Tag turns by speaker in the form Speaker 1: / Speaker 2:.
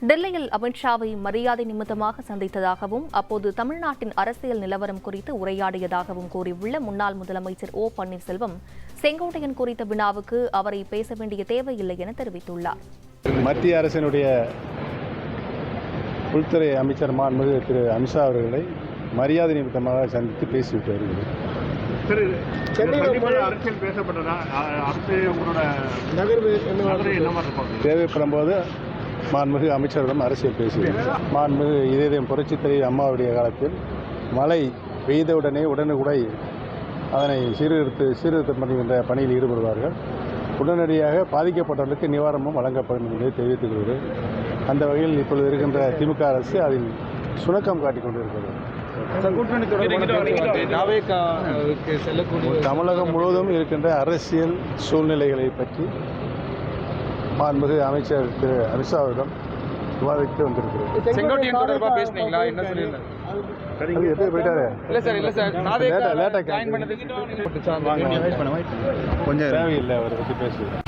Speaker 1: டெல்லியில் அமித்ஷாவை மரியாதை நிமித்தமாக சந்தித்ததாகவும் அப்போது தமிழ்நாட்டின் அரசியல் நிலவரம் குறித்து உரையாடியதாகவும் கூறியுள்ள முன்னாள் முதலமைச்சர் ஓ பன்னீர்செல்வம் செங்கோட்டையன் குறித்த வினாவுக்கு அவரை பேச வேண்டிய தேவையில்லை என தெரிவித்துள்ளார்.
Speaker 2: மத்திய அரசினுடைய உள்துறை அமைச்சர் மாண்புமிகு திரு அமித்ஷா அவர்களை மரியாதை நிமித்தமாக சந்தித்து பேசிவிட்டு வருகிறது. தேவைப்படும் போது மாண்புமிகு அமைச்சரிடம் அரசியல் பேசுகிறார். மாண்புமிகு இதயம் புரட்சித் தலைவி அம்மாவுடைய காலத்தில் மழை பெய்தவுடனே உடனுக்குடை அதனை சீர்திருத்தம் பண்ணுகின்ற பணியில் ஈடுபடுவார்கள். உடனடியாக பாதிக்கப்பட்டவர்களுக்கு நிவாரணமும் வழங்கப்படும் என்பதை தெரிவித்துக் கொள்கிறேன். அந்த வகையில் இப்பொழுது இருக்கின்ற திமுக அரசு அதில் சுணக்கம் காட்டிக் கொண்டிருக்கிறது. தமிழகம் முழுவதும் இருக்கின்ற அரசியல் சூழ்நிலைகளை பற்றி மாண்புமிகு அமைச்சர் திரு அமித்ஷா அவரிடம் விவாதித்து வந்திருக்கிறது.
Speaker 3: செங்கோட்டையன் தொடர்பாக பேசுனீங்களா? என்ன சொல்லியிருந்தாங்க?
Speaker 2: போயிட்டாரு
Speaker 3: இல்ல சார்
Speaker 2: கொஞ்சம் தேவையில்லை அவரை பற்றி பேசுவது.